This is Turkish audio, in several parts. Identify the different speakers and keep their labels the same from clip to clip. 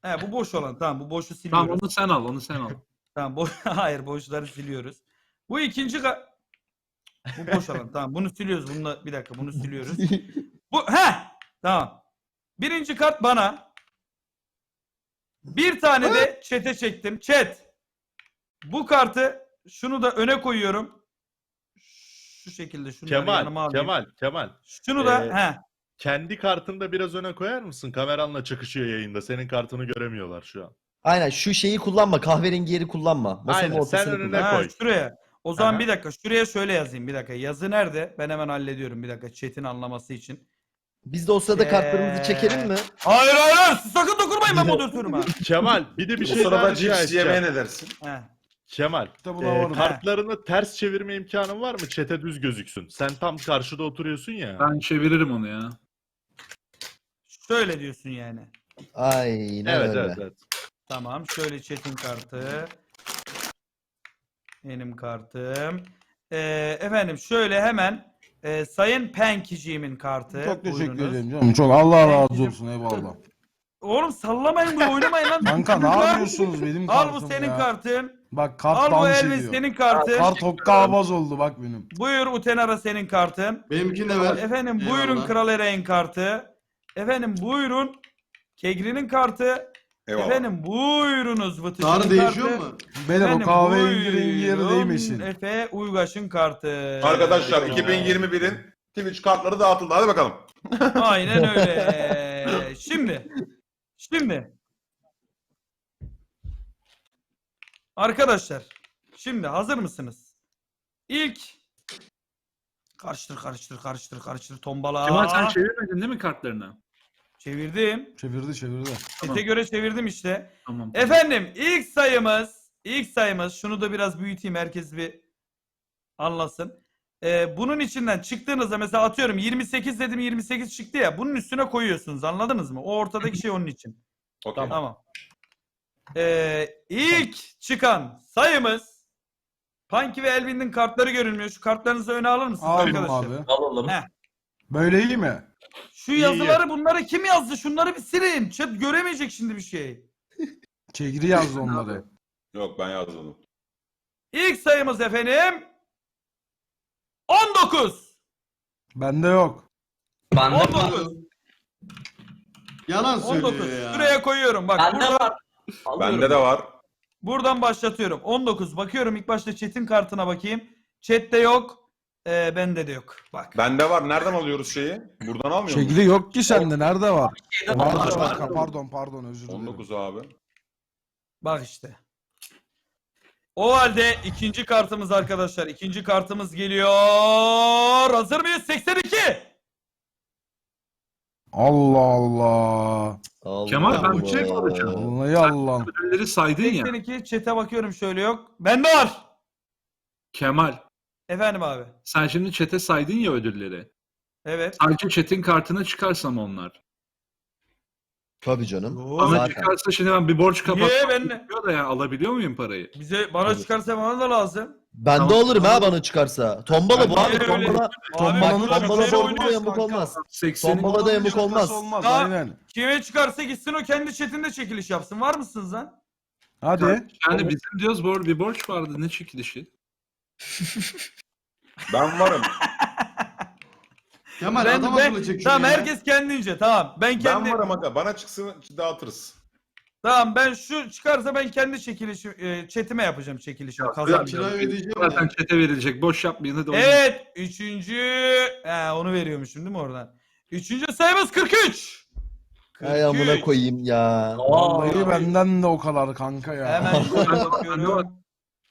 Speaker 1: He, bu boş olan. Tamam, bu boşu siliyoruz.
Speaker 2: Tamam onu sen al, onu sen al.
Speaker 1: Tamam, hayır, boşları siliyoruz. Bu ikinci bu boş olan. Tamam, bunu siliyoruz. Bununla bir dakika, bunu siliyoruz. Tamam. Birinci kart bana. Bir tane de chat'e çektim. Chat. Bu kartı şunu da öne koyuyorum. Şu şekilde şunları yanıma alayım.
Speaker 3: Kemal.
Speaker 1: Şunu da
Speaker 3: Kendi kartını da biraz öne koyar mısın? Kameranla çakışıyor yayında. Senin kartını göremiyorlar şu an.
Speaker 4: Aynen şu şeyi kullanma. Kahverengi yeri kullanma. Masanın
Speaker 3: Aynen, sen
Speaker 4: ortasını
Speaker 3: önüne
Speaker 4: kullan.
Speaker 3: koy.
Speaker 1: Şuraya. O zaman
Speaker 3: Aha.
Speaker 1: bir dakika. Şuraya şöyle yazayım. Bir dakika. Yazı nerede? Ben hemen hallediyorum. Bir dakika. Chat'in anlaması için.
Speaker 4: Biz de o sırada kartlarımızı çekelim mi?
Speaker 1: Hayır. Siz sakın dokunmayın ben moderatörüm ha.
Speaker 3: Kemal bir de bir
Speaker 5: Bu
Speaker 3: şey daha
Speaker 5: sırada
Speaker 3: rica
Speaker 5: cips yemeye
Speaker 3: edeceğim.
Speaker 5: ne dersin?
Speaker 1: He.
Speaker 3: Kemal,
Speaker 6: Kitabı da var.
Speaker 3: kartlarını ters çevirme imkanın var mı? Çete düz gözüksün. Sen tam karşıda oturuyorsun ya.
Speaker 2: Ben çeviririm onu ya.
Speaker 1: Şöyle diyorsun yani.
Speaker 4: Aynen
Speaker 3: Evet,
Speaker 4: öyle.
Speaker 3: evet.
Speaker 1: Tamam. Şöyle chat'in kartı. Benim kartım. Efendim şöyle hemen Sayın Penkiciğimin kartı.
Speaker 6: Çok teşekkür
Speaker 1: Buyurunuz.
Speaker 6: ederim canım. Çok Allah razı olsun, eyvallah.
Speaker 1: Oğlum sallamayın bunu, oynamayın lan.
Speaker 6: Kanka ne
Speaker 1: Al
Speaker 6: yapıyorsunuz benim kartım
Speaker 1: bu senin
Speaker 6: ya?
Speaker 1: kartın.
Speaker 6: Bak kart
Speaker 1: Al bu
Speaker 6: dans
Speaker 1: Elvis
Speaker 6: ediyor.
Speaker 1: senin kartın.
Speaker 6: Kart hokkabaz oldu bak benim.
Speaker 1: Buyur Utenara senin kartın.
Speaker 5: Benimkini de ver.
Speaker 1: Efendim
Speaker 5: Eyvallah.
Speaker 1: buyurun Kral Ereğin kartı. Efendim buyurun Kegri'nin kartı.
Speaker 5: Eyvallah.
Speaker 1: Efendim buyurunuz Vıtıcı'nın
Speaker 5: Tarih
Speaker 1: kartı.
Speaker 5: değişiyor mu?
Speaker 6: Beyler o
Speaker 1: Efendim,
Speaker 6: kahverengi rengi yeri
Speaker 1: buyurun
Speaker 6: değmesin.
Speaker 1: Efe Uygaş'ın kartı.
Speaker 5: Arkadaşlar
Speaker 1: Eyvallah.
Speaker 5: 2021'in Twitch kartları dağıtıldı. Hadi bakalım.
Speaker 1: Aynen öyle. Şimdi. Arkadaşlar. Şimdi hazır mısınız? İlk karıştır tombala.
Speaker 2: Kemal sen çevirmedin değil mi kartlarını?
Speaker 1: Çevirdim.
Speaker 6: Çevirdi.
Speaker 1: Sete göre çevirdim işte.
Speaker 2: Tamam.
Speaker 1: Efendim ilk sayımız şunu da biraz büyüteyim herkes bir anlasın. Bunun içinden çıktığınızda mesela atıyorum 28 dedim 28 çıktı ya, bunun üstüne koyuyorsunuz, anladınız mı? O ortadaki şey onun için.
Speaker 5: Okey.
Speaker 1: Tamam. İlk çıkan sayımız Punky ve Elvin'in kartları görünmüyor. Şu kartlarınızı öne alır mısınız
Speaker 6: Aldım
Speaker 1: arkadaşlar?
Speaker 6: abi.
Speaker 7: Alalım.
Speaker 1: Heh.
Speaker 6: Böyle iyi mi?
Speaker 1: Şu yazıları bunları kim yazdı? Şunları bir silin. Chat göremeyecek şimdi bir şey.
Speaker 6: Çegri yazdı onları.
Speaker 5: Yok ben yazmadım.
Speaker 1: İlk sayımız efendim 19.
Speaker 6: Bende yok.
Speaker 7: Bende
Speaker 1: 19.
Speaker 5: Yalan
Speaker 1: 19.
Speaker 5: söylüyor ya.
Speaker 1: Şuraya koyuyorum. Bak
Speaker 7: Bende
Speaker 1: burada,
Speaker 7: var. Alıyorum.
Speaker 5: Bende de var.
Speaker 1: buradan başlatıyorum. 19. Bakıyorum ilk başta chat'in kartına bakayım. Chat'te yok. Bende de yok. Bak.
Speaker 5: Bende var. Nereden alıyoruz şeyi? Buradan almıyor muyuz?
Speaker 6: Çegri yok ki sende. Nerede var?
Speaker 7: Şeyde
Speaker 6: Vardır
Speaker 7: var.
Speaker 6: kanka. Pardon özür dilerim.
Speaker 5: 19 abi.
Speaker 1: Bak işte. O halde ikinci kartımız arkadaşlar. İkinci kartımız geliyor. Hazır mıyız? 82.
Speaker 6: Allah Allah.
Speaker 4: Allah
Speaker 2: Kemal, ben bir şey
Speaker 4: Allah.
Speaker 2: soracağım.
Speaker 6: Vallahi Allah.
Speaker 2: Ödülleri saydın ya.
Speaker 1: 82. Chat'e bakıyorum şöyle yok. Bende var.
Speaker 2: Kemal,
Speaker 1: Efendim abi.
Speaker 2: sen şimdi chat'e saydın ya ödülleri.
Speaker 1: Evet.
Speaker 2: Sadece chat'in kartına çıkarsam onlar.
Speaker 4: Tabii canım.
Speaker 2: Bana
Speaker 4: Zaten.
Speaker 2: çıkarsa şimdi ben bir borç
Speaker 1: Niye
Speaker 2: kapatmam
Speaker 1: ben
Speaker 2: gerekiyor da ya, alabiliyor muyum parayı?
Speaker 1: bana çıkarsa bana da lazım.
Speaker 4: Ben de
Speaker 2: Tamam.
Speaker 4: olurum ha bana çıkarsa. Tombala bu
Speaker 1: Ben
Speaker 4: abi.
Speaker 1: niye öyle-
Speaker 4: Tombala.
Speaker 6: Tombalanın
Speaker 1: bak,
Speaker 4: Tombala
Speaker 1: şöyle
Speaker 4: borcuna
Speaker 1: oynuyoruz
Speaker 4: yamuk
Speaker 6: kanka.
Speaker 4: olmaz.
Speaker 2: 80'in
Speaker 4: Tombala da yamuk olmaz.
Speaker 6: Olmaz
Speaker 1: Aa,
Speaker 6: aynen.
Speaker 1: Kime çıkarsa gitsin o kendi chatinde çekiliş yapsın. Var mısınız lan?
Speaker 6: Hadi.
Speaker 2: yani bizim diyoruz bir borç vardı, ne çekilişi?
Speaker 5: Ben varım.
Speaker 8: Kemal adam akıllı çek şunu
Speaker 1: Tamam
Speaker 8: ya.
Speaker 1: herkes kendince tamam. Ben kendi
Speaker 5: Ben varım aga. Bana çıksın dağıtırız.
Speaker 1: tamam ben şu çıkarsa ben kendi çekilişi chatime yapacağım çekilişi.
Speaker 8: Ben
Speaker 1: Kazanacağım.
Speaker 8: kirayı ödeyeceğim
Speaker 2: Zaten
Speaker 8: ya.
Speaker 2: chat'e verilecek, boş yapmayın hadi. oynayın.
Speaker 1: Evet. Onu veriyormuşum değil mi oradan? Üçüncü sayımız 43.
Speaker 4: Ay amına koyayım ya.
Speaker 6: Vallahi benden de o kadar kanka ya.
Speaker 1: Hemen şöyle
Speaker 2: Bende
Speaker 1: bakıyorum.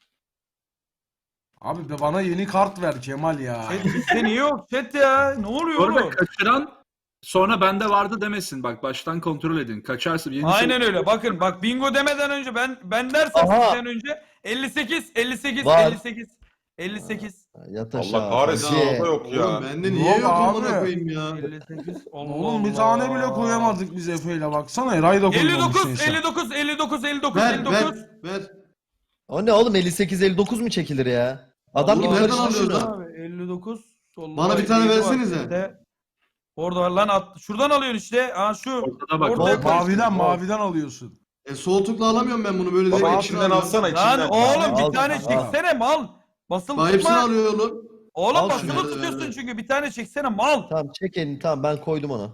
Speaker 6: Abi be bana yeni kart ver Kemal ya.
Speaker 1: Chat bizde niye yok chat ya? Ne oluyor
Speaker 2: Orada
Speaker 1: oğlum?
Speaker 2: kaçıran sonra bende vardı demesin. Bak baştan kontrol edin. Kaçarsa yeni
Speaker 1: Aynen öyle. Bakın bak bingo demeden önce ben dersem
Speaker 4: Aha.
Speaker 1: sizden önce 58
Speaker 4: Var.
Speaker 1: 58.
Speaker 4: Yat aşağı.
Speaker 5: Allah kahretsin.
Speaker 4: Hacı.
Speaker 5: Orada yok ya.
Speaker 8: Oğlum bende niye
Speaker 6: Yok
Speaker 8: yok
Speaker 6: abi.
Speaker 8: amına koyayım ya.
Speaker 1: 58. Allah
Speaker 6: Oğlum bir
Speaker 1: Allah.
Speaker 6: tane bile koyamadık biz Efe'yle baksana. Eray da koymamışsın
Speaker 1: 59
Speaker 6: sen.
Speaker 1: 59
Speaker 8: Ver
Speaker 1: 59.
Speaker 8: ver.
Speaker 4: O ne oğlum 58-59 mu çekilir ya? Adam gibi
Speaker 8: Allah, nereden
Speaker 4: karıştır
Speaker 8: alıyoruz
Speaker 4: şunu.
Speaker 1: Abi 59.
Speaker 8: Bana bir tane versenize.
Speaker 1: versenize. Orada var lan şuradan alıyorsun işte. Ha şu.
Speaker 2: Ortada bak.
Speaker 1: Ortaya koy.
Speaker 6: Maviden alıyorsun.
Speaker 8: Sol tıkla alamıyorum ben bunu böyle
Speaker 5: Baba
Speaker 8: direkt
Speaker 5: içinden alsana içinden.
Speaker 1: Lan oğlum
Speaker 4: Al,
Speaker 1: bir tane
Speaker 4: al.
Speaker 1: çeksene mal. Basılı
Speaker 8: Bak hepsini
Speaker 1: tutma.
Speaker 8: alıyor oğlum.
Speaker 1: Oğlum
Speaker 4: Al
Speaker 1: basılı
Speaker 4: şunu.
Speaker 1: tutuyorsun
Speaker 8: Evet.
Speaker 1: çünkü bir tane çeksene mal.
Speaker 4: Tamam çek elini, tamam ben koydum ona.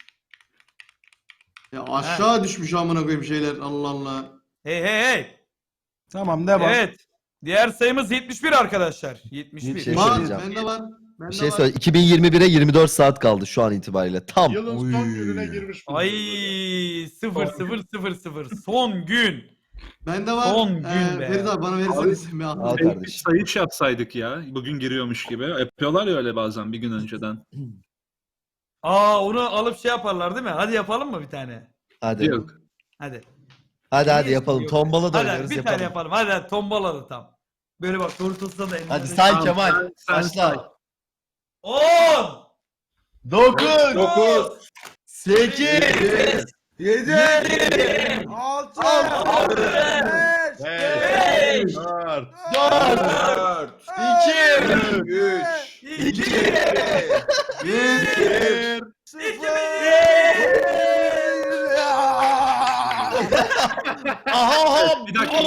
Speaker 8: Ya aşağı düşmüş amına koyayım şeyler. Allah Allah.
Speaker 1: Hey hey hey.
Speaker 6: Tamam devam.
Speaker 1: Evet. Diğer sayımız 71 arkadaşlar. 71.
Speaker 4: Bir şey
Speaker 8: Var
Speaker 4: söyleyeceğim.
Speaker 8: bende var. Bende
Speaker 4: Bir şey
Speaker 8: var.
Speaker 4: söyle. 2021'e 24 saat kaldı şu an itibariyle. Tam.
Speaker 3: Yılın
Speaker 6: Oy.
Speaker 3: son gününe girmiş.
Speaker 1: Ay
Speaker 3: bulunuyoruz.
Speaker 1: 0000 son gün.
Speaker 8: Bende var.
Speaker 1: Son gün be.
Speaker 8: Ferit abi bana verirseniz. Ben
Speaker 4: Al
Speaker 8: aldım.
Speaker 4: kardeşim.
Speaker 2: Sayış yapsaydık ya. Bugün giriyormuş gibi. Yapıyorlar ya öyle bazen bir gün önceden.
Speaker 1: Aa onu alıp şey yaparlar değil mi? Hadi yapalım mı bir tane?
Speaker 4: Hadi.
Speaker 2: Yok.
Speaker 1: Hadi.
Speaker 4: Hadi
Speaker 1: Niye
Speaker 4: yapalım.
Speaker 1: yok?
Speaker 4: Tombala da
Speaker 1: Hadi
Speaker 4: oynarız
Speaker 1: bir
Speaker 4: yapalım.
Speaker 1: tane yapalım. Hadi tombaladı tam. Böyle bak tortulsa da elinde.
Speaker 4: Hadi say
Speaker 2: Tamam,
Speaker 4: Kemal.
Speaker 2: sen say.
Speaker 4: Başla.
Speaker 1: 10
Speaker 4: 9
Speaker 5: 9
Speaker 4: 8
Speaker 6: 7 6 5
Speaker 3: Hey, 4
Speaker 4: 4
Speaker 5: 4
Speaker 4: 2
Speaker 5: 3
Speaker 1: 2
Speaker 3: 1
Speaker 4: Aha!
Speaker 2: Bir dakika.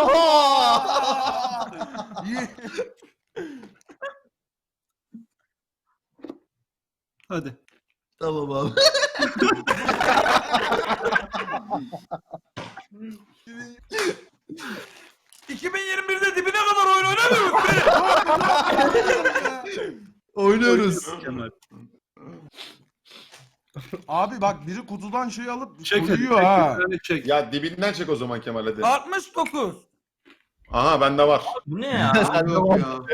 Speaker 2: Hadi.
Speaker 4: Tamam abi.
Speaker 1: – 2021'de dibine kadar oyun oynamıyoruz be.
Speaker 4: Oynuyoruz.
Speaker 2: Kemal.
Speaker 6: Abi bak biri kutudan şey alıp
Speaker 2: Çek hadi.
Speaker 6: koyuyor ha.
Speaker 2: Bir tane çek.
Speaker 5: Ya dibinden çek o zaman Kemal hadi.
Speaker 1: 69
Speaker 5: Aha bende var.
Speaker 7: Bu ne ya?
Speaker 4: Sen de
Speaker 8: Yok
Speaker 4: var.
Speaker 8: ya.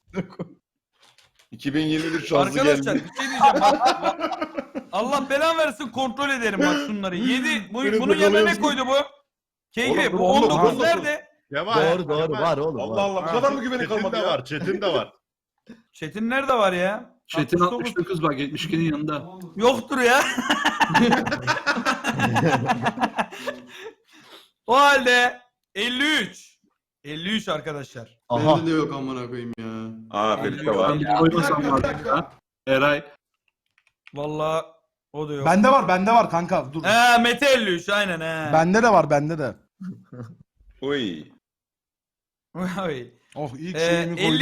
Speaker 5: 2021 şanslı
Speaker 1: Arkadaşlar
Speaker 5: geldi.
Speaker 1: bir şey diyeceğim. Bak, Allah belan versin kontrol ederim bak şunları. 7
Speaker 5: Beni
Speaker 1: bunun yanına ne
Speaker 5: yakalıyorsun.
Speaker 1: koydu bu? Keyfi
Speaker 5: Oğlum,
Speaker 1: bu
Speaker 5: 19,
Speaker 1: 19
Speaker 5: 19.
Speaker 1: nerede?
Speaker 3: Kemal.
Speaker 4: Doğru doğru
Speaker 3: Kemal.
Speaker 4: var oğlum.
Speaker 5: Allah
Speaker 4: var.
Speaker 5: Allah bu kadar mı güveni
Speaker 3: Çetin
Speaker 5: kalmadı
Speaker 3: de
Speaker 5: ya?
Speaker 3: var. Çetin de var.
Speaker 1: Çetin nerede var ya?
Speaker 2: Çetin
Speaker 1: 69.
Speaker 2: 69 bak 72'nin yanında.
Speaker 1: Yoktur ya. O halde 53. 53 arkadaşlar.
Speaker 4: Aha.
Speaker 8: Bende de yok amına koyayım ya.
Speaker 5: Aa Ferit'te var.
Speaker 2: Ben bir koymasam vardı ya. Eray.
Speaker 1: Vallahi o da yok.
Speaker 6: Bende var kanka dur.
Speaker 1: Mete 53 aynen he.
Speaker 6: Bende de var bende de.
Speaker 5: Uy.
Speaker 1: Oy.
Speaker 6: Oh ilk şeyimi koydum.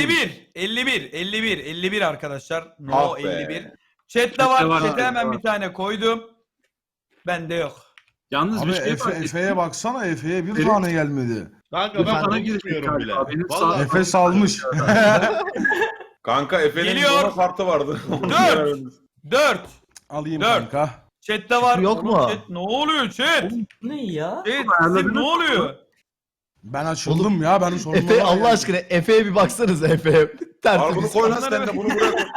Speaker 1: 51 arkadaşlar. No
Speaker 5: Ah be.
Speaker 1: 51. Chat'te
Speaker 2: Chat'te
Speaker 1: var.
Speaker 2: var,
Speaker 1: Chat'e
Speaker 2: chat'te
Speaker 1: hemen
Speaker 2: var.
Speaker 1: bir tane koydum. Bende yok.
Speaker 2: Yalnız
Speaker 6: Abi
Speaker 2: bir şey var.
Speaker 6: Efe'ye baksana Efe'ye bir
Speaker 2: Ferit-
Speaker 6: tane gelmedi.
Speaker 3: Kanka
Speaker 2: Ben
Speaker 3: ben
Speaker 2: sana
Speaker 3: bunu
Speaker 2: girecek
Speaker 3: bilmiyorum bile.
Speaker 2: galiba. Benim
Speaker 3: Vallahi
Speaker 6: Efe salmış.
Speaker 5: Kanka Efe'nin
Speaker 1: Geliyor.
Speaker 5: Nova kartı vardı.
Speaker 1: 4.
Speaker 6: Alayım
Speaker 1: 4.
Speaker 6: kanka.
Speaker 1: Chat'te var.
Speaker 4: Yok
Speaker 1: Oğlum
Speaker 4: mu?
Speaker 1: Chat, ne oluyor chat?
Speaker 7: Bu ne ya?
Speaker 1: Chat
Speaker 2: ayarladınız
Speaker 1: sizin ne oluyor?
Speaker 6: Ben açıldım ya ben sorunlara
Speaker 4: Efe Allah
Speaker 6: geldim.
Speaker 4: aşkına Efe'ye bir baksanız Efe'ye.
Speaker 5: Al bunu
Speaker 4: Tertemiz.
Speaker 5: koy lan sen de bunu buraya koy.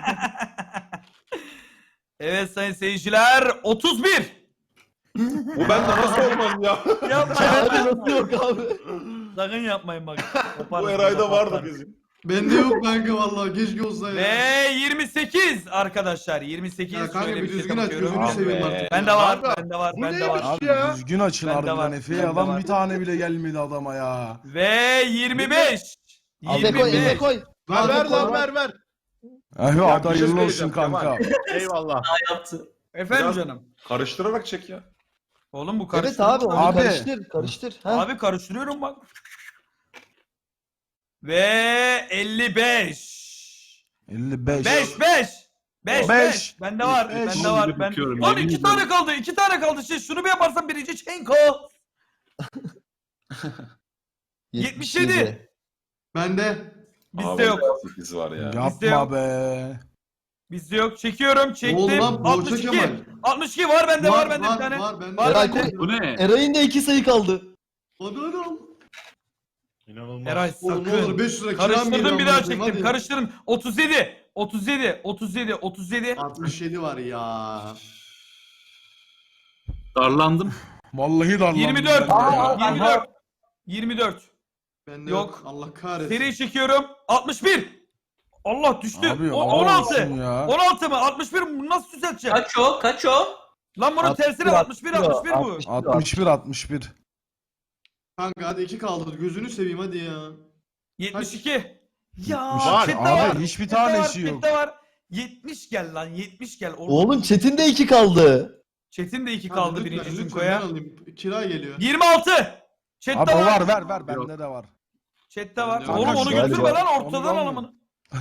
Speaker 1: Evet sayın seyirciler 31.
Speaker 5: Bu bende nasıl olmaz ya?
Speaker 1: Yapmayın.
Speaker 4: Abi nasıl yok abi?
Speaker 1: Sakın yapmayın bak.
Speaker 5: Bu Eray'da vardı bizim.
Speaker 8: Bende yok kanka vallahi keşke olsa ya.
Speaker 1: Ve 28 arkadaşlar. 28
Speaker 8: Ya kanka
Speaker 1: şöyle
Speaker 8: bir
Speaker 1: bir
Speaker 8: düzgün
Speaker 1: şey
Speaker 8: aç
Speaker 1: bakıyorum.
Speaker 8: gözünü
Speaker 5: Abi.
Speaker 8: seveyim artık.
Speaker 1: Bende var,
Speaker 3: Kanka,
Speaker 1: bende var,
Speaker 3: bu
Speaker 1: bende
Speaker 3: neymiş?
Speaker 1: var.
Speaker 6: Abi
Speaker 3: Ya.
Speaker 6: düzgün açın
Speaker 1: Bende var,
Speaker 6: harbiden Efe'ye
Speaker 1: bende
Speaker 6: adam
Speaker 1: var.
Speaker 6: bir tane bile gelmedi adama ya.
Speaker 1: Ve 25.
Speaker 4: Efe koy Efe
Speaker 1: 25.
Speaker 4: koy.
Speaker 3: Ver ver
Speaker 4: koy,
Speaker 3: lan
Speaker 4: ver.
Speaker 3: ver.
Speaker 6: Efe
Speaker 5: Ya
Speaker 6: hadi
Speaker 5: bir şey
Speaker 6: hayırlı olsun
Speaker 5: söyleyeceğim
Speaker 6: kanka.
Speaker 3: Eyvallah.
Speaker 7: Yaptı.
Speaker 1: Efendim
Speaker 5: Biraz-
Speaker 1: canım.
Speaker 5: Karıştırarak çek ya.
Speaker 1: Oğlum bu
Speaker 4: Evet
Speaker 1: karıştırma.
Speaker 4: abi onu
Speaker 6: Abi.
Speaker 4: karıştır. Karıştır. Ha?
Speaker 1: Abi karıştırıyorum bak. Ve 55.
Speaker 6: 55.
Speaker 1: 5 5. 5
Speaker 6: Beş.
Speaker 1: 5. Bende var.
Speaker 6: Beş.
Speaker 1: Bende
Speaker 2: Onu
Speaker 1: var.
Speaker 2: bir
Speaker 1: Ben.
Speaker 2: bakıyorum,
Speaker 1: Lan
Speaker 2: yemin
Speaker 1: 2
Speaker 2: ediyorum.
Speaker 1: tane kaldı. 2 tane kaldı. Şunu bir yaparsan birinci Çenko. 77.
Speaker 8: Bende.
Speaker 1: Bizde
Speaker 5: Abi,
Speaker 1: yok.
Speaker 5: 8 var ya.
Speaker 1: Bizde yok.
Speaker 6: Yapma be.
Speaker 1: Bizde yok. Çekiyorum.
Speaker 8: Ne
Speaker 1: Çektim.
Speaker 8: oldu lan? Boğaça
Speaker 1: 62.
Speaker 8: Kemal.
Speaker 1: 62 var bende var bende bir tane.
Speaker 8: Var bende.
Speaker 1: Var
Speaker 4: Eray
Speaker 1: bende.
Speaker 2: Bu ne?
Speaker 4: Eray'ın da 2 sayı kaldı.
Speaker 8: Hadi hadi al.
Speaker 3: İnanılmaz.
Speaker 1: Eray
Speaker 8: Oğlum ne olur
Speaker 1: sakın.
Speaker 8: 500 lira kiram
Speaker 1: Karıştırdım
Speaker 8: geliyor
Speaker 1: bir daha
Speaker 8: amına koyayım,
Speaker 1: çektim.
Speaker 8: hadi.
Speaker 1: Karıştırdım. 37. 37. 37. 37.
Speaker 8: 67 var ya.
Speaker 2: Darlandım.
Speaker 6: Vallahi darlandım.
Speaker 1: 24.
Speaker 6: ben ya.
Speaker 1: 24. 24.
Speaker 8: Bende
Speaker 1: Yok.
Speaker 8: yok. Allah kahretsin.
Speaker 1: Seri çekiyorum. 61. Allah düştü.
Speaker 6: Abi,
Speaker 1: O,
Speaker 6: Allah
Speaker 1: 16.
Speaker 6: olsun ya.
Speaker 1: 16 mı? 61 mi? Bunu nasıl düzelteceğim?
Speaker 7: Kaç o? Kaç o?
Speaker 1: Lan bunun tersine 61 61 bu.
Speaker 6: 61 61.
Speaker 8: Kanka hadi 2 kaldı. Gözünü seveyim hadi ya.
Speaker 1: 72. Ya
Speaker 3: Var.
Speaker 1: chatte
Speaker 6: Abi
Speaker 1: var.
Speaker 6: hiçbir
Speaker 1: chatte
Speaker 6: tanesi
Speaker 1: var,
Speaker 6: yok.
Speaker 1: chatte var. 70 gel lan 70 gel.
Speaker 4: Oğlum Çetin de 2 kaldı.
Speaker 1: Çetin de 2
Speaker 8: Hadi
Speaker 1: kaldı
Speaker 8: lütfen,
Speaker 1: birinci
Speaker 8: lütfen,
Speaker 1: çinkoya.
Speaker 8: ben alayım. Kira geliyor.
Speaker 1: 26. Chat'te
Speaker 6: Abi o
Speaker 1: var.
Speaker 6: var bende de var.
Speaker 1: Chat'te var.
Speaker 8: Bende
Speaker 1: Oğlum
Speaker 8: var.
Speaker 1: onu
Speaker 4: Galiba.
Speaker 1: götürme lan
Speaker 6: Onu
Speaker 1: ortadan
Speaker 6: almıyorum.
Speaker 1: alamını.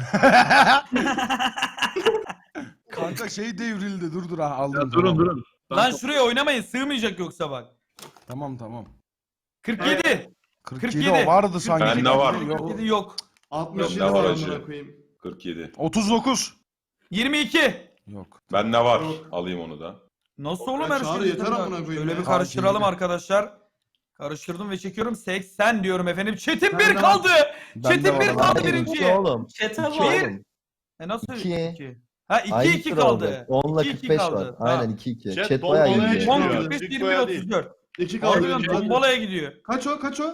Speaker 6: Kanka şey devrildi dur ha
Speaker 2: Ya
Speaker 6: aldım.
Speaker 2: durun
Speaker 6: tamam.
Speaker 2: durun. Ben
Speaker 1: Lan şuraya oynamayın sığmayacak yoksa bak.
Speaker 6: Tamam.
Speaker 1: 47.
Speaker 6: 47 o vardı sanki.
Speaker 5: Bende var.
Speaker 6: Yok.
Speaker 1: 47 yok.
Speaker 8: 67
Speaker 5: Yok,
Speaker 8: var
Speaker 5: ne var
Speaker 8: amına
Speaker 5: acı?
Speaker 8: koyayım.
Speaker 5: 47.
Speaker 6: 39.
Speaker 1: 22.
Speaker 6: Yok.
Speaker 5: Bende var.
Speaker 8: Yok.
Speaker 5: Alayım onu da.
Speaker 1: Nasıl
Speaker 8: Ya
Speaker 1: oğlum her
Speaker 8: Çağrı
Speaker 1: şey?
Speaker 8: yeter amına koyayım
Speaker 1: Şöyle
Speaker 8: ya.
Speaker 1: bir karıştıralım
Speaker 6: Fark
Speaker 1: arkadaşlar. Karıştırdım ve çekiyorum. 80 diyorum efendim. Çetin
Speaker 8: Ben
Speaker 1: 1
Speaker 8: de
Speaker 1: kaldı.
Speaker 6: Ben
Speaker 1: Çetin
Speaker 6: de
Speaker 1: 1
Speaker 6: var.
Speaker 1: kaldı
Speaker 4: Hayır,
Speaker 1: birinci.
Speaker 4: iki oğlum.
Speaker 7: Çete
Speaker 4: İki
Speaker 7: var.
Speaker 4: oğlum.
Speaker 1: Nasıl
Speaker 4: İki.
Speaker 1: 2? Ha 2
Speaker 4: Aynı
Speaker 1: 2
Speaker 4: sıra
Speaker 1: kaldı.
Speaker 4: oldu. 10'la
Speaker 1: 2-2
Speaker 4: 45
Speaker 1: kaldı.
Speaker 4: var.
Speaker 1: Tamam.
Speaker 4: Aynen 2-2.
Speaker 3: Chat
Speaker 4: Chat
Speaker 3: bol
Speaker 4: bayağı
Speaker 3: bolaya
Speaker 4: iyi.
Speaker 3: çıkıyor.
Speaker 1: 10
Speaker 3: Çıkıyor.
Speaker 1: 45 21
Speaker 3: Çıkıyor değil.
Speaker 1: 34.
Speaker 8: 2 kaldı.
Speaker 1: Harbiden
Speaker 8: Hadi.
Speaker 1: tombalaya gidiyor.
Speaker 8: Kaç o?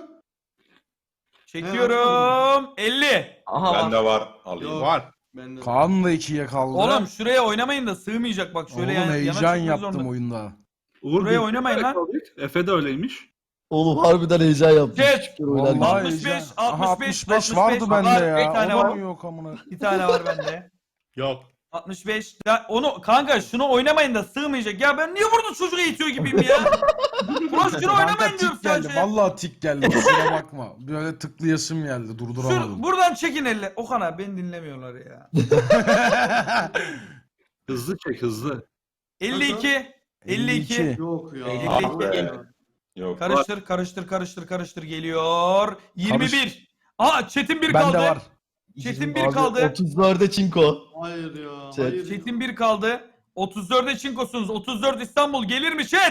Speaker 1: Çekiyorum. 50.
Speaker 7: Aha var.
Speaker 5: Bende var. Alayım.
Speaker 8: Yok.
Speaker 3: Var.
Speaker 8: Bende.
Speaker 6: Kaan da 2'ye kaldı.
Speaker 1: Oğlum şuraya oynamayın da sığmayacak bak şöyle
Speaker 6: Oğlum
Speaker 1: yana
Speaker 6: heyecan
Speaker 1: çıkmak
Speaker 6: yaptım
Speaker 1: zorunda.
Speaker 6: oyunda.
Speaker 2: Uğur
Speaker 1: Buraya
Speaker 2: bir-
Speaker 1: oynamayın lan.
Speaker 2: Efe de öyleymiş.
Speaker 4: Oğlum harbiden heyecan yaptım.
Speaker 1: Geç.
Speaker 4: Şükür oynarken.
Speaker 6: Vallahi
Speaker 1: 65,
Speaker 6: heyecan.
Speaker 1: 65,
Speaker 6: Aha, 65
Speaker 1: var,
Speaker 6: vardı bende
Speaker 1: bir
Speaker 6: ya.
Speaker 1: tane
Speaker 6: O da
Speaker 1: var.
Speaker 6: mı yok amına?
Speaker 1: Bir tane var bende.
Speaker 3: Yok.
Speaker 1: 65. Ya onu kanka şunu oynamayın da sığmayacak. Ya ben niye burada çocuğu eğitiyor gibiyim ya? Ulan şunu oynamayın
Speaker 6: Kanka
Speaker 1: diyorum
Speaker 6: tik geldi.
Speaker 1: sadece.
Speaker 6: Vallahi tik geldi. Kusura bakma. Böyle tıklayasım geldi. Durduramadım.
Speaker 1: Buradan çekin elle. Okan abi beni dinlemiyorlar ya.
Speaker 2: Hızlı çek hızlı.
Speaker 1: 52. 52.
Speaker 8: Yok ya.
Speaker 1: 52.
Speaker 5: Yok.
Speaker 1: Karıştır geliyor. 21. Aa Çetin 1 kaldı.
Speaker 6: Bende var.
Speaker 1: Çetin 1
Speaker 4: Abi,
Speaker 1: kaldı.
Speaker 4: 34'e çinko.
Speaker 8: Hayır ya.
Speaker 4: Chat.
Speaker 8: Hayır.
Speaker 1: Çetin 1 kaldı. 34'e çinkosunuz. 34 İstanbul gelir mi chat?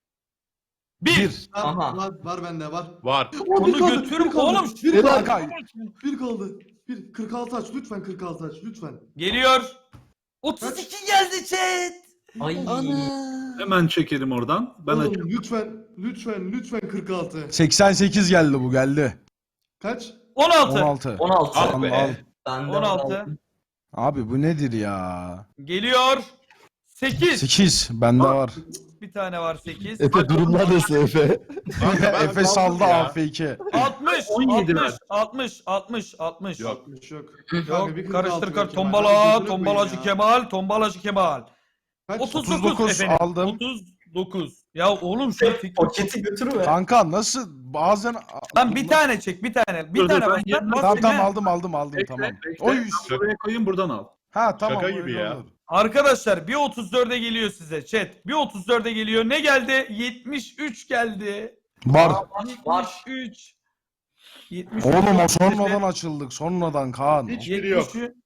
Speaker 1: 1.
Speaker 6: 1.
Speaker 7: Aha.
Speaker 8: Var bende var.
Speaker 3: Var.
Speaker 1: Onu götürün oğlum.
Speaker 8: Bir
Speaker 4: Helal.
Speaker 8: kaldı.
Speaker 6: Kanka
Speaker 8: Bir kaldı. 46 aç lütfen 46 aç lütfen.
Speaker 1: Geliyor. 32 geldi chat.
Speaker 7: Ay.
Speaker 2: Hemen çekelim oradan. Ben
Speaker 8: Oğlum
Speaker 2: açayım.
Speaker 8: lütfen 46.
Speaker 6: 88 geldi bu geldi.
Speaker 8: Kaç?
Speaker 1: 16.
Speaker 6: 16.
Speaker 7: 16.
Speaker 5: Al
Speaker 6: Al,
Speaker 5: be.
Speaker 6: al.
Speaker 7: Bende
Speaker 1: 16.
Speaker 7: var.
Speaker 6: Abi bu nedir ya?
Speaker 1: Geliyor. 8.
Speaker 6: 8 bende var.
Speaker 1: Bir tane var 8.
Speaker 4: Efe durumlar nasıl Efe?
Speaker 3: Kanka ben
Speaker 6: Efe saldı
Speaker 3: kaldım ya.
Speaker 6: AF2.
Speaker 1: 60.
Speaker 2: 17
Speaker 1: 60.
Speaker 2: ver.
Speaker 1: 60. 60. 60.
Speaker 3: Yok.
Speaker 8: 60 yok.
Speaker 1: Yok.
Speaker 8: Kanka, bir 46
Speaker 1: Karıştır
Speaker 8: ver
Speaker 1: kar.
Speaker 8: Kemal.
Speaker 1: Tombala.
Speaker 8: Gözünü
Speaker 1: Tombalacı
Speaker 8: koyayım ya.
Speaker 1: Kemal. Tombalacı Kemal.
Speaker 8: Kaç?
Speaker 1: 39
Speaker 6: 39
Speaker 1: efendim.
Speaker 6: aldım.
Speaker 1: 39. Ya oğlum şu fikri.
Speaker 7: Paketi götürme.
Speaker 6: Kanka nasıl bazen...
Speaker 1: Lan bir tane çek bir tane. Bir
Speaker 2: Dur,
Speaker 1: tane
Speaker 2: ben
Speaker 1: bas.
Speaker 2: yerine-
Speaker 1: Bas
Speaker 6: Tamam
Speaker 1: çek, he.
Speaker 6: aldım
Speaker 2: Bekle,
Speaker 6: tamam.
Speaker 2: bekle.
Speaker 6: Oy.
Speaker 2: Ben buraya koyayım buradan al.
Speaker 6: Ha tamam.
Speaker 3: Şaka
Speaker 6: öyle
Speaker 3: gibi ya.
Speaker 6: olur.
Speaker 1: Arkadaşlar bir 34'e geliyor size chat. Bir 34'e geliyor. Ne geldi? 73 geldi.
Speaker 6: Var.
Speaker 7: Var.
Speaker 1: 73. 73.
Speaker 6: Oğlum o sonradan açıldık. Sonradan Kaan.
Speaker 3: Hiçbiri yok.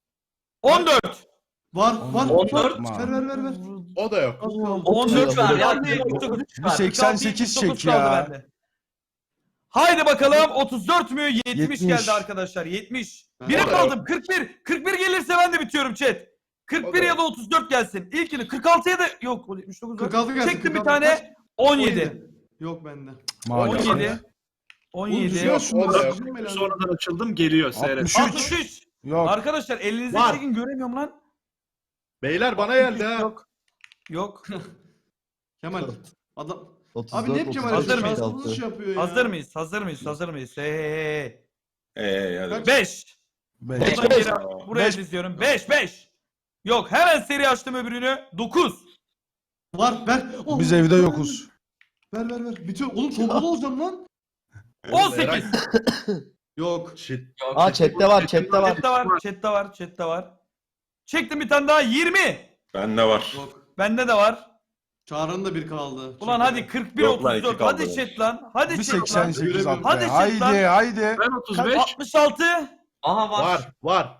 Speaker 1: 14.
Speaker 8: Var.
Speaker 7: 14.
Speaker 8: Ver.
Speaker 3: O da yok.
Speaker 8: Az kaldı.
Speaker 7: 33 ver ya.
Speaker 1: Hadi,
Speaker 7: 33
Speaker 6: Bir
Speaker 7: ver.
Speaker 6: 88 çek
Speaker 1: 79 kaldı
Speaker 6: ya.
Speaker 1: bende. Haydi bakalım 34 mü? 70,
Speaker 6: 70.
Speaker 1: geldi arkadaşlar. 70.
Speaker 8: Ben
Speaker 1: Biri
Speaker 3: de
Speaker 1: kaldım. 41. 41 gelirse ben de bitiyorum chat. 41 ya da 34 gelsin. İlkini 46'ya da yok. 79 var.
Speaker 8: 46 gelsin.
Speaker 1: Çektim bir
Speaker 8: 46
Speaker 1: tane.
Speaker 8: kaç?
Speaker 1: 17.
Speaker 8: Yok bende.
Speaker 6: Maalesef.
Speaker 1: 17. 17.
Speaker 8: Düşüyor şunları,
Speaker 3: O da yok.
Speaker 8: sikeyim belanı.
Speaker 2: Sonradan açıldım geliyor seyret.
Speaker 6: 63.
Speaker 1: 63.
Speaker 6: Yok.
Speaker 1: Arkadaşlar elinizi
Speaker 3: Var.
Speaker 1: çekin göremiyorum lan.
Speaker 3: Beyler bana geldi ha.
Speaker 1: Yok. Yok.
Speaker 8: Kemal. Adam.
Speaker 4: 34,
Speaker 8: Abi ne hep Kemal
Speaker 1: Hazır mıyız?
Speaker 8: şansımız iş yapıyor ya.
Speaker 1: Hazır mıyız? Hazır mıyız? Hey.
Speaker 5: Hadi.
Speaker 8: Kaç?
Speaker 1: 5.
Speaker 6: Beş.
Speaker 1: Buradan geri buraya
Speaker 6: Beş.
Speaker 1: diziyorum. 5. Yok hemen seri açtım öbürünü. 9.
Speaker 8: Var ver. Oh,
Speaker 6: Biz evde yokuz.
Speaker 8: Ver. Bitiyor. Oğlum tombala olacağım lan.
Speaker 1: 18.
Speaker 8: Yok.
Speaker 3: Shit.
Speaker 4: Aa chatte var.
Speaker 1: Chat'te var. Çektim bir tane daha 20.
Speaker 5: Bende var.
Speaker 8: Yok.
Speaker 1: Bende de var.
Speaker 8: Çağrı'nın da bir kaldı.
Speaker 1: Ulan
Speaker 8: Çek.
Speaker 1: hadi 41
Speaker 5: Yok lan,
Speaker 1: 34.
Speaker 5: iki kaldı.
Speaker 1: Hadi chat lan. Hadi
Speaker 6: Bir
Speaker 1: chat lan.
Speaker 6: 88 at be.
Speaker 8: Hadi
Speaker 1: chat lan.
Speaker 6: Haydi.
Speaker 2: Ben 35.
Speaker 1: 66.
Speaker 7: Aha var.
Speaker 3: Var.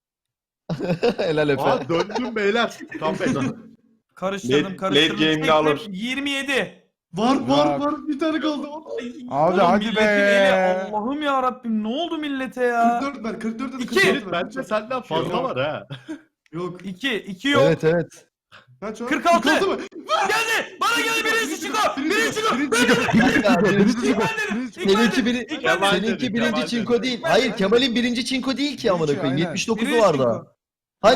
Speaker 4: Helal Efe.
Speaker 3: Aa döndüm beyler. Comeback.
Speaker 1: Karıştırdım.
Speaker 5: Late game'de
Speaker 1: Çektim.
Speaker 5: alır.
Speaker 1: 27.
Speaker 8: Var.
Speaker 6: Yok.
Speaker 8: Bir tane kaldı.
Speaker 6: Abi hadi
Speaker 1: milletin
Speaker 6: be.
Speaker 1: eli, Allah'ım ya Rabbim ne oldu millete ya?
Speaker 8: 44 ver. 44 de
Speaker 1: İki.
Speaker 8: 44 ver.
Speaker 3: Bence senden fazla
Speaker 1: Yok.
Speaker 3: var ha.
Speaker 8: Yok.
Speaker 1: 2 yok.
Speaker 4: Evet.
Speaker 8: Kaç o?
Speaker 1: 46.
Speaker 8: 46 mı?
Speaker 1: Geldi. Bana geldi birinci çıko. Birinci çıko.
Speaker 4: Kanka, birinci çinko.
Speaker 1: Seninki
Speaker 4: Seninki birinci çinko değil. Hayır Kemal'in birinci çinko değil ki amına koyayım.
Speaker 6: Aynen.
Speaker 4: 79'u var daha. Hani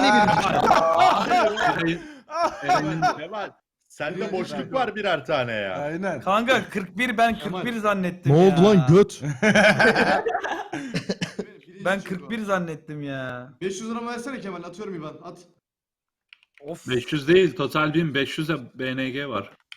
Speaker 4: birinci?
Speaker 3: Kemal. Sende boşluk var birer tane ya.
Speaker 6: Aynen.
Speaker 1: Kanka 41 ben 41 zannettim
Speaker 4: Ne oldu
Speaker 1: ya.
Speaker 4: lan göt?
Speaker 1: Ben 41 zannettim ya.
Speaker 8: 500 lira versene Kemal. Atıyorum İvan. At.
Speaker 1: Of.
Speaker 2: 500 değil total 1500 de BNG var.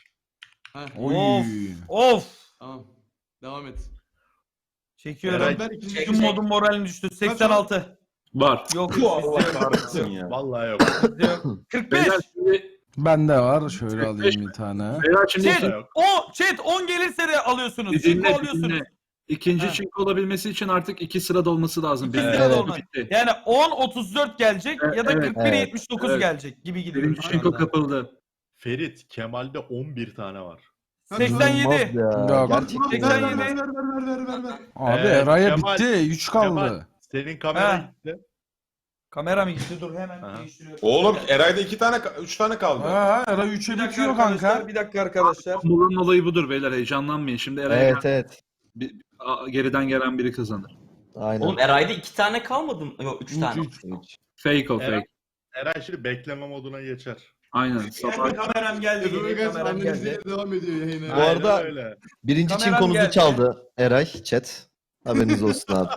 Speaker 8: Heh,
Speaker 6: Oy.
Speaker 1: Of.
Speaker 8: tamam. Devam et.
Speaker 1: Çekiyorum.
Speaker 3: Eray,
Speaker 8: Ver ikinci
Speaker 7: çek,
Speaker 1: Tüm
Speaker 7: çek.
Speaker 1: modun moralin düştü. 86.
Speaker 2: Var.
Speaker 1: Yok.
Speaker 5: Allah kahretsin ya.
Speaker 3: Vallahi yok.
Speaker 1: bizde yok. 45.
Speaker 2: Beyler şimdi,
Speaker 6: Bende var. Şöyle alayım bir tane.
Speaker 2: beyler şimdi
Speaker 1: Chat,
Speaker 3: yok.
Speaker 1: chat 10 gelirse de alıyorsunuz.
Speaker 2: bir
Speaker 1: Çinko
Speaker 2: dinle, bir
Speaker 1: alıyorsunuz.
Speaker 2: dinle. İkinci
Speaker 1: Ha.
Speaker 2: çinko olabilmesi için artık 2 sırada olması lazım.
Speaker 1: İki
Speaker 2: Birinci
Speaker 1: sırada
Speaker 2: çinko
Speaker 1: olmaz.
Speaker 2: bitti.
Speaker 1: Yani 10 34 gelecek ya da
Speaker 2: Evet,
Speaker 1: 41
Speaker 4: evet.
Speaker 1: 79
Speaker 2: Evet.
Speaker 1: gelecek gibi gidiyoruz.
Speaker 2: Birinci
Speaker 1: şu
Speaker 2: çinko
Speaker 1: anda.
Speaker 2: kapıldı.
Speaker 3: Ferit, Kemal'de 11 tane var.
Speaker 1: 87.
Speaker 4: İnanılmaz ya.
Speaker 6: Yok.
Speaker 4: Gerçekten
Speaker 8: Ver ver
Speaker 4: inanılmaz.
Speaker 8: ver.
Speaker 6: Abi
Speaker 3: Ee,
Speaker 6: Eray'a
Speaker 3: Kemal-
Speaker 6: bitti. 3 kaldı.
Speaker 3: Kemal, senin kamera
Speaker 1: Ha.
Speaker 3: gitti.
Speaker 1: Kamera mı gitti? Dur hemen
Speaker 3: Aha.
Speaker 1: değiştiriyorum.
Speaker 5: Oğlum Eray'da 3 tane kaldı.
Speaker 6: Ha, Eray 3'e
Speaker 1: Bir dakika
Speaker 6: bitiyor
Speaker 1: arkadaşlar.
Speaker 6: kanka.
Speaker 1: Bir dakika arkadaşlar.
Speaker 2: Bunun olayı budur beyler, heyecanlanmayın. Şimdi Eray'a
Speaker 4: Evet evet.
Speaker 2: geriden gelen biri kazanır.
Speaker 4: Aynen.
Speaker 7: Oğlum Eray'da 2 tane kalmadı mı? Yok 3 tane.
Speaker 6: Üç.
Speaker 2: Fake o
Speaker 3: Eray-
Speaker 2: fake.
Speaker 3: Eray şimdi bekleme moduna geçer.
Speaker 2: Aynen. Sabah
Speaker 1: Kameram geldi.
Speaker 8: Efe
Speaker 1: Yine
Speaker 8: Uygaç
Speaker 1: kameram geldi.
Speaker 8: annesiyle devam ediyor yayına.
Speaker 4: Bu arada-
Speaker 3: Aynen öyle.
Speaker 4: Birinci
Speaker 1: Kameram
Speaker 4: çinkonuzu
Speaker 1: geldi.
Speaker 4: çaldı Eray chat. Haberiniz olsun abi.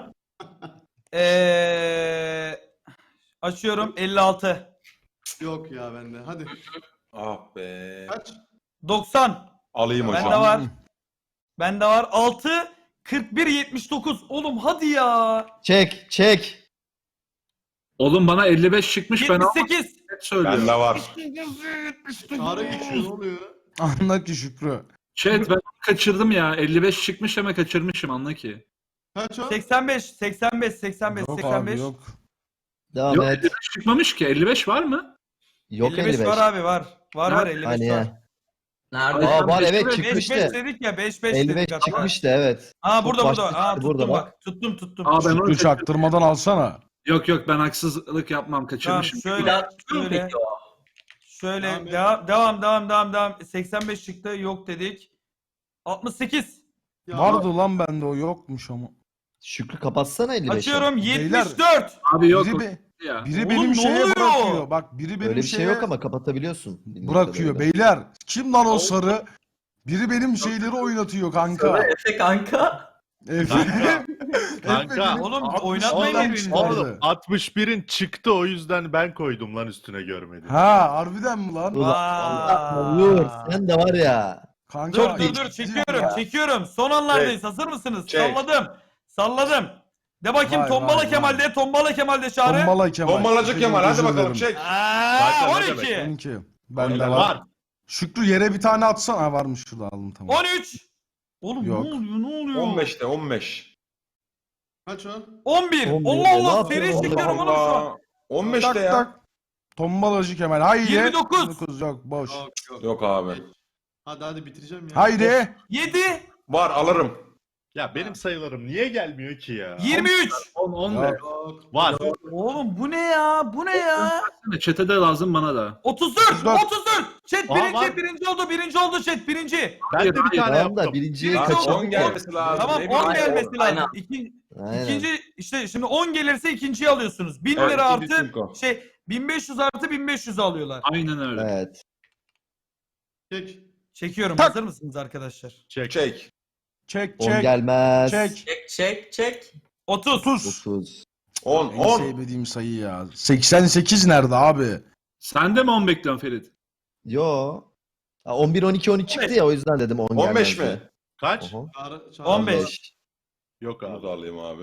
Speaker 1: Açıyorum 56.
Speaker 8: Yok ya bende. Hadi.
Speaker 5: Ah be.
Speaker 8: Kaç?
Speaker 1: 90.
Speaker 5: Alayım hocam.
Speaker 1: Bende var. Bende var. 6 41 79. Oğlum hadi ya.
Speaker 4: Çek.
Speaker 2: oğlum bana 55 çıkmış, ben
Speaker 1: 78.
Speaker 2: net söylüyorum.
Speaker 5: Bende var.
Speaker 8: Çağrı geçiyor ne oluyor?
Speaker 6: Anla ki Şükrü.
Speaker 2: Chat ben kaçırdım ya. 55 çıkmış ama kaçırmışım, anla ki.
Speaker 8: Kaç o?
Speaker 1: 85 85 85
Speaker 6: Yok
Speaker 1: 85.
Speaker 6: abi yok.
Speaker 4: Devam
Speaker 2: Yok
Speaker 4: et.
Speaker 2: 55 çıkmamış ki. 55 var mı?
Speaker 4: Yok
Speaker 1: 55
Speaker 4: 55.
Speaker 1: var abi var. Var 55
Speaker 4: Hani
Speaker 1: var.
Speaker 4: ya.
Speaker 7: Nerede?
Speaker 4: Aa var evet
Speaker 1: 5
Speaker 4: çıkmıştı.
Speaker 1: dedik ya 5 dedik
Speaker 4: 55
Speaker 1: hatta.
Speaker 4: çıkmıştı evet.
Speaker 1: Aa burada
Speaker 4: Çok
Speaker 1: burada.
Speaker 4: başta
Speaker 1: Aa
Speaker 4: çıktı,
Speaker 1: tuttum
Speaker 4: burada
Speaker 1: bak. Tuttum.
Speaker 2: Aa, ben onu
Speaker 6: Şükrü çaktırmadan alsana.
Speaker 2: Yok ben haksızlık yapmam,
Speaker 1: Tamam
Speaker 2: kaçırmışım.
Speaker 7: Bir
Speaker 1: şöyle
Speaker 7: daha çıkıyor mu
Speaker 1: şöyle
Speaker 7: peki o?
Speaker 1: şöyle
Speaker 8: Devam et.
Speaker 1: devam. 85 çıktı yok dedik. 68.
Speaker 8: Ya,
Speaker 6: Vardı lan bende, o yokmuş ama.
Speaker 4: Şükrü kapatsana 55'i.
Speaker 1: Açıyorum
Speaker 6: Beyler.
Speaker 1: 74.
Speaker 2: Abi yok
Speaker 6: Biri,
Speaker 2: o
Speaker 6: be-
Speaker 2: ya.
Speaker 6: biri
Speaker 1: Oğlum,
Speaker 6: benim
Speaker 1: ne
Speaker 6: şeye
Speaker 1: oluyor?
Speaker 6: bırakıyor. Bak biri benim
Speaker 4: Öyle bir şey
Speaker 6: şeye
Speaker 4: yok ama kapatabiliyorsun.
Speaker 6: bırakıyor. Beyler kim lan o sarı? Biri benim şeyleri oynatıyor kanka.
Speaker 7: Sana Efe kanka.
Speaker 6: Efe.
Speaker 3: Kanka.
Speaker 6: Efe
Speaker 3: Kanka.
Speaker 6: benim
Speaker 1: Oğlum,
Speaker 6: 60
Speaker 1: oynatmayın
Speaker 6: adam
Speaker 1: birbirini.
Speaker 6: çıkardı.
Speaker 3: Oğlum 61'in çıktı, o yüzden ben koydum lan üstüne, görmedim.
Speaker 6: Ha harbiden mi lan?
Speaker 4: Vur sen de var ya.
Speaker 6: Kanka
Speaker 1: Dur çekiyorum. Son anlardayız. Hazır mısınız?
Speaker 5: Çek.
Speaker 1: Salladım. De bakayım
Speaker 6: Vay,
Speaker 1: Tombala
Speaker 6: vay,
Speaker 1: Kemal'de. Tombala Kemal'de çağrı.
Speaker 6: Tombala Kemal.
Speaker 5: Bombalacı Kemal hadi
Speaker 6: Özür
Speaker 5: bakalım
Speaker 6: dilerim.
Speaker 5: çek.
Speaker 1: Aa,
Speaker 3: Bak, ne
Speaker 1: 12.
Speaker 6: 12. Bende
Speaker 5: Öyle
Speaker 6: var.
Speaker 3: Var.
Speaker 6: Şükrü yere bir tane atsana. Ha varmış, şurada aldım tamam.
Speaker 1: 13. Oğlum
Speaker 6: Yok.
Speaker 1: ne oluyor?
Speaker 5: 15'te 15.
Speaker 8: Kaç o?
Speaker 1: 11.
Speaker 4: 11.
Speaker 1: Allah Allah
Speaker 4: Ne
Speaker 1: seri
Speaker 4: yapıyorsun
Speaker 1: çekiyorum oğlum şu an.
Speaker 5: 15'te
Speaker 6: Tak
Speaker 5: ya.
Speaker 6: tak. Tombalacı Kemal. Haydi.
Speaker 1: 29.
Speaker 6: 29 yok boş.
Speaker 8: Yok.
Speaker 5: Yok abi.
Speaker 8: Hadi bitireceğim ya.
Speaker 6: Haydi.
Speaker 1: 7.
Speaker 5: Var alırım.
Speaker 3: Ya benim sayılarım niye gelmiyor ki ya?
Speaker 1: 23.
Speaker 2: 10
Speaker 6: Ya.
Speaker 2: de.
Speaker 8: Yok.
Speaker 3: Var.
Speaker 1: Oğlum bu ne ya? Bu ne ya?
Speaker 2: Çete de lazım, bana da.
Speaker 1: 34.
Speaker 6: 34.
Speaker 1: 34. Chat
Speaker 3: Aa, var.
Speaker 1: birinci oldu chat birinci.
Speaker 3: Ben de bir
Speaker 2: Hayır,
Speaker 3: tane
Speaker 4: Tamam da
Speaker 3: yaptım.
Speaker 4: birinciyi
Speaker 1: Tamam,
Speaker 4: kaçırdık.
Speaker 5: 10 gelmesi lazım.
Speaker 1: Tamam
Speaker 5: Ne
Speaker 1: 10
Speaker 5: bileyim.
Speaker 1: gelmesi
Speaker 7: Aynen.
Speaker 1: lazım.
Speaker 4: Aynen.
Speaker 1: İkinci işte şimdi 10 gelirse ikinciyi alıyorsunuz. 1000
Speaker 5: Evet,
Speaker 1: lira
Speaker 5: ikinci
Speaker 1: artı
Speaker 5: çinko.
Speaker 1: 1500 artı 1500 alıyorlar.
Speaker 2: Aynen öyle.
Speaker 4: Evet.
Speaker 8: Çek.
Speaker 1: Çekiyorum.
Speaker 6: Tak.
Speaker 1: Hazır mısınız arkadaşlar?
Speaker 3: Çek.
Speaker 5: Çek.
Speaker 6: Çek
Speaker 4: 10
Speaker 6: çek.
Speaker 4: gelmez.
Speaker 6: Çek.
Speaker 7: Çek.
Speaker 1: 30.
Speaker 6: 30.
Speaker 4: 9.
Speaker 5: 10
Speaker 6: En
Speaker 5: 10.
Speaker 6: sevmediğim sayı ya. 88 nerede abi?
Speaker 2: Sen de mi 10 bekliyorsun Ferit?
Speaker 4: Yo. Ha, 11 12 13 çıktı ya, o yüzden dedim 10 gelmez.
Speaker 5: 15
Speaker 4: diye.
Speaker 5: mi?
Speaker 3: Kaç?
Speaker 4: Oho.
Speaker 8: Çağrı,
Speaker 1: 15.
Speaker 3: Yok
Speaker 5: Bunu
Speaker 3: abi.
Speaker 5: da alayım abi.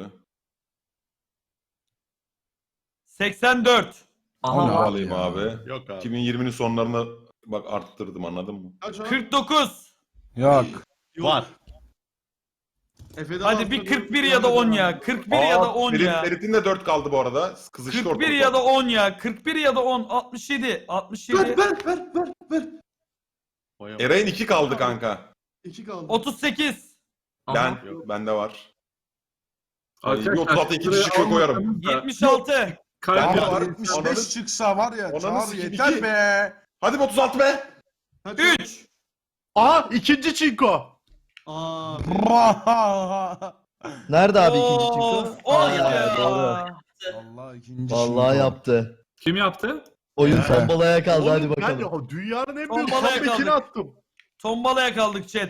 Speaker 1: 84.
Speaker 6: O ne
Speaker 7: Aha
Speaker 5: Bunu da
Speaker 7: var.
Speaker 5: alayım
Speaker 6: ya?
Speaker 5: abi.
Speaker 3: Yok abi.
Speaker 5: 2020'nin sonlarına bak arttırdım, anladın mı?
Speaker 8: Kaç o?
Speaker 1: 49.
Speaker 6: Yok.
Speaker 8: Yok.
Speaker 3: Var.
Speaker 8: Efe'den
Speaker 1: Hadi bir
Speaker 8: altı,
Speaker 1: 41 ya da 10 ya. 41 ya da 10 ya.
Speaker 5: Ferit'in de 4 kaldı bu arada. Kızıştı
Speaker 1: 41
Speaker 5: ortalık.
Speaker 1: ya da 10 ya. 41 ya da 10. 67. 67.
Speaker 8: Ver.
Speaker 3: Vay am-
Speaker 5: Eray'ın 2 kaldı kanka.
Speaker 8: 2 kaldı.
Speaker 1: 38.
Speaker 5: Ben
Speaker 3: Yok.
Speaker 5: bende var. Ay,
Speaker 2: Arkadaşlar,
Speaker 5: bir 36 ikinci şıkkı
Speaker 2: şuraya
Speaker 5: koyarım.
Speaker 2: almasanız da-
Speaker 1: 76.
Speaker 2: Kalp
Speaker 5: Ben de
Speaker 2: var.
Speaker 5: var.
Speaker 6: 75 çıksa var ya.
Speaker 5: Ananı
Speaker 6: Çağır
Speaker 5: sikeyim,
Speaker 6: yeter
Speaker 5: iki.
Speaker 6: be.
Speaker 5: Hadi be 36 be.
Speaker 8: Kaç o?
Speaker 1: 3.
Speaker 3: Aa, ikinci çinko.
Speaker 8: Aa.
Speaker 4: Nerede abi ikinci
Speaker 1: Of,
Speaker 4: çıktı?
Speaker 1: of
Speaker 4: Aa,
Speaker 1: ya.
Speaker 4: doğru.
Speaker 6: Vallahi ikinci
Speaker 4: Vallahi
Speaker 6: şinko.
Speaker 4: yaptı.
Speaker 2: Kim yaptı?
Speaker 4: Oyun
Speaker 6: Evet.
Speaker 4: tombalaya kaldı, hadi
Speaker 3: Oğlum,
Speaker 4: bakalım.
Speaker 3: Ben dünyanın en büyük
Speaker 1: Tombalaya
Speaker 3: comeback'ini
Speaker 1: kaldık.
Speaker 3: attım.
Speaker 1: Tombalaya kaldık chat.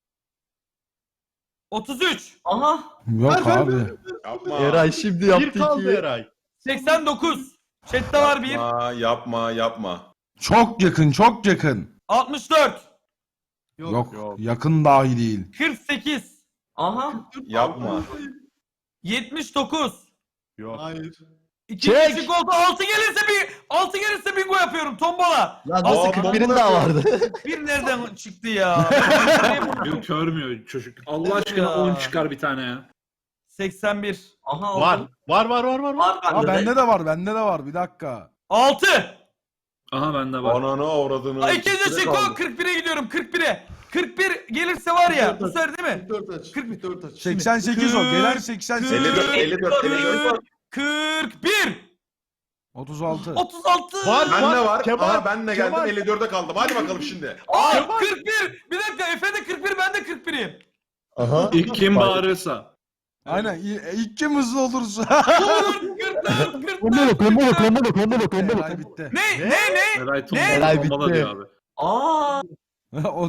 Speaker 1: 33.
Speaker 7: Aha.
Speaker 6: Yok
Speaker 8: Ver.
Speaker 6: abi.
Speaker 5: Yapma.
Speaker 4: Eray şimdi yaptı
Speaker 3: Bir kaldı
Speaker 4: 2'yi.
Speaker 3: Eray.
Speaker 1: 89. Chat'te var 1.
Speaker 5: Yapma.
Speaker 6: Çok yakın, çok yakın.
Speaker 1: 64.
Speaker 6: Yok,
Speaker 3: Yok.
Speaker 6: yakın dahi değil.
Speaker 1: 48,
Speaker 7: Aha.
Speaker 5: Yapma.
Speaker 1: 79.
Speaker 3: Yok.
Speaker 8: Hayır.
Speaker 1: İkinci
Speaker 4: Çek.
Speaker 1: çinko oldu. 6 gelirse bingo yapıyorum. Tombola.
Speaker 4: Lan nasıl
Speaker 5: Aa,
Speaker 4: 41'in
Speaker 5: bomba
Speaker 4: daha
Speaker 5: yapıyor.
Speaker 4: vardı.
Speaker 1: Bir nereden çıktı ya?
Speaker 2: Yok görmüyor çocuk. Allah
Speaker 1: Evet
Speaker 2: aşkına
Speaker 1: ya.
Speaker 2: 10 çıkar bir tane ya.
Speaker 1: 81.
Speaker 7: Aha
Speaker 3: Var.
Speaker 7: aldım.
Speaker 3: Var.
Speaker 7: Var
Speaker 6: Aa
Speaker 7: bende de.
Speaker 6: bende de var. Bir dakika.
Speaker 1: 6.
Speaker 2: Aha bende var.
Speaker 5: Ananı avradını.
Speaker 1: İkinci
Speaker 5: İkisine
Speaker 1: çinko
Speaker 5: kaldı.
Speaker 1: 41'e gidiyorum. 41'e. 41 gelirse var ya. Bu sefer değil mi?
Speaker 8: 44 aç. 44 aç.
Speaker 6: 88 o. Gelen 88.
Speaker 5: 54.
Speaker 1: 41.
Speaker 6: 36.
Speaker 1: 36.
Speaker 3: Var.
Speaker 5: Ben de var.
Speaker 3: Kemal,
Speaker 5: Aha ben de geldim.
Speaker 3: Kemal.
Speaker 5: 54'e kaldım. Hadi bakalım şimdi.
Speaker 1: Aa, 41. Bir dakika Efe de 41 ben de 41'im.
Speaker 4: Aha.
Speaker 2: İlk kim bağırırsa.
Speaker 6: Aynen. İlk kim hızlı olursa.
Speaker 1: 44.
Speaker 6: Eray bitti.
Speaker 1: Ne?
Speaker 2: Eray
Speaker 1: Ne?
Speaker 2: tombala
Speaker 4: Eray
Speaker 2: tombala
Speaker 4: bitti.
Speaker 2: diyor abi.
Speaker 7: Aa.
Speaker 6: O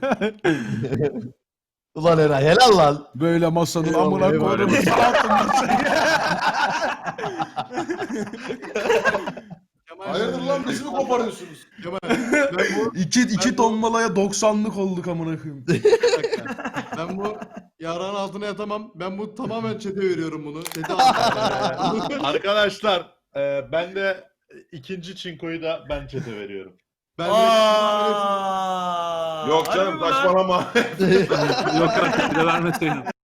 Speaker 4: Ulan Eray helal lan.
Speaker 6: böyle masanın
Speaker 4: Eyvallah,
Speaker 6: amına
Speaker 4: eyvallah.
Speaker 6: koydum. Sağ masayı.
Speaker 8: Kemal,
Speaker 5: Hayırdır lan bizi mi koparıyorsunuz?
Speaker 8: Kemal, ben bu,
Speaker 6: İki tombalaya 90'lık olduk amına koyayım.
Speaker 8: bir dakika. Ben bu yarağın altına yatamam. Ben bu tamamen çete veriyorum bunu. Çete altına.
Speaker 3: Arkadaşlar ben de ikinci çinkoyu da ben çete veriyorum.
Speaker 8: Ben
Speaker 1: Aa.
Speaker 5: Yok canım
Speaker 1: Harbi mi lan?
Speaker 5: saçmalama.
Speaker 2: Yok artık bir de vermeseydin.